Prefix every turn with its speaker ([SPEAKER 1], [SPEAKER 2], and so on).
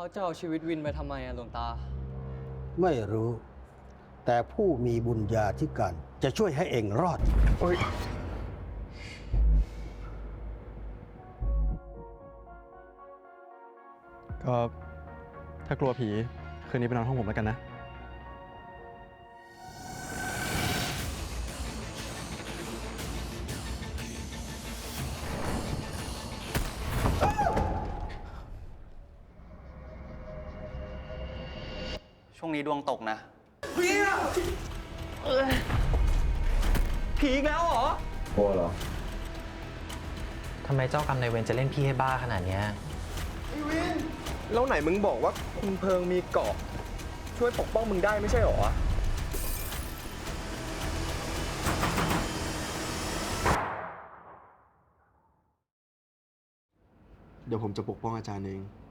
[SPEAKER 1] เขาจะเอาชีวิตวินไปทำไมอะหลวงตา
[SPEAKER 2] ไม่รู้ แต่ผู้มีบุญญาธิการจะช่วยให้เองรอด
[SPEAKER 3] โอ๊ยก็ถ้ากลัวผีคืนนี้ไปนอนห้องผมแล้วกันนะ
[SPEAKER 1] ช่วงนี้ดวงตกนะ
[SPEAKER 4] ผีอีกแล้วเหรอ
[SPEAKER 5] กลัวเหรอ
[SPEAKER 6] ทำไมเจ้ากรรมนายเวรจะเล่นพี่ให้บ้าขนาดเนี้ย
[SPEAKER 4] แล้วไหนมึงบอกว่าคุณเพิงมีเกราะช่วยปกป้องมึงได้ไม่ใช่เหรอ
[SPEAKER 3] เดี๋ยวผมจะปกป้องอาจารย์เอง